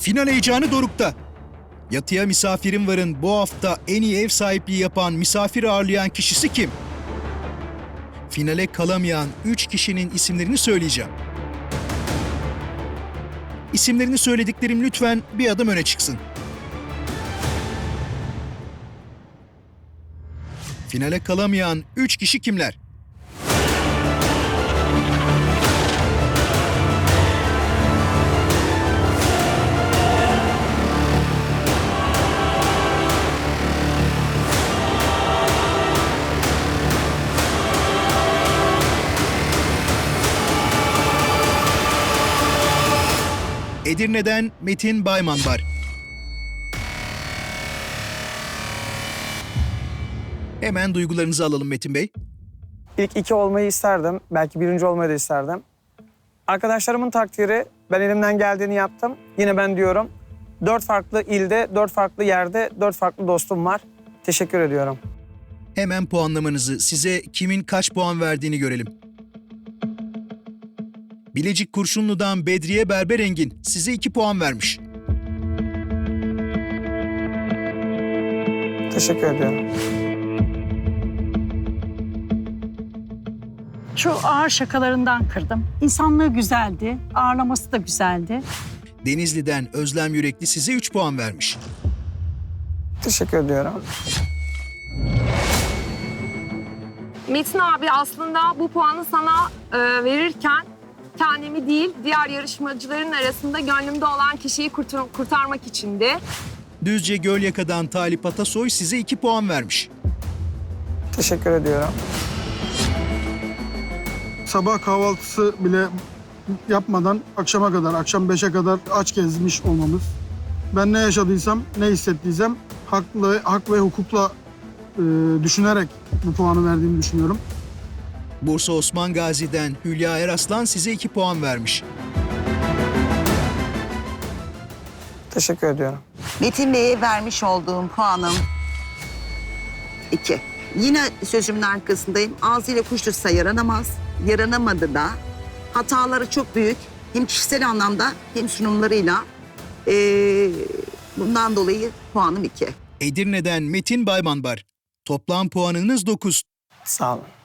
Final heyecanı dorukta. Yatıya Misafirim Var'ın bu hafta en iyi ev sahipliği yapan, misafir ağırlayan kişisi kim? Finale kalamayan 3 kişinin isimlerini söyleyeceğim. İsimlerini söylediklerim lütfen bir adım öne çıksın. Finale kalamayan 3 kişi kimler? Edirne'den Metin Bayman var. Hemen duygularınızı alalım Metin Bey. İlk 2 olmayı isterdim. Belki 1. olmayı da isterdim. Arkadaşlarımın takdiri, ben elimden geldiğini yaptım. Yine ben diyorum, 4 farklı ilde, 4 farklı yerde, 4 farklı dostum var. Teşekkür ediyorum. Hemen puanlamanızı, size kimin kaç puan verdiğini görelim. Bilecik Kurşunlu'dan Bedriye Berberengin size 2 puan vermiş. Teşekkür ediyorum. Şu ağır şakalarından kırdım. İnsanlığı güzeldi, ağırlaması da güzeldi. Denizli'den Özlem Yürekli size 3 puan vermiş. Teşekkür ediyorum. Metin abi aslında bu puanı sana verirken kendimi değil diğer yarışmacıların arasında gönlümde olan kişiyi kurtarmak içindi. Düzce Gölyaka'dan Talip Atasoy size 2 puan vermiş. Teşekkür ediyorum. Sabah kahvaltısı bile yapmadan akşama kadar, akşam 5'e kadar aç gezmiş olmamız. Ben ne yaşadıysam, ne hissettiysem hak ve hukukla düşünerek bu puanı verdiğimi düşünüyorum. Bursa Osman Gazi'den Hülya Eraslan size 2 puan vermiş. Teşekkür ediyorum. Metin Bey'e vermiş olduğum puanım 2. Yine sözümün arkasındayım. Ağzıyla kuş tutsa yaranamaz. Yaranamadı da. Hataları çok büyük. Hem kişisel anlamda hem sunumlarıyla. Bundan dolayı puanım 2. Edirne'den Metin Bayman var. Toplam puanınız 9. Sağ olun.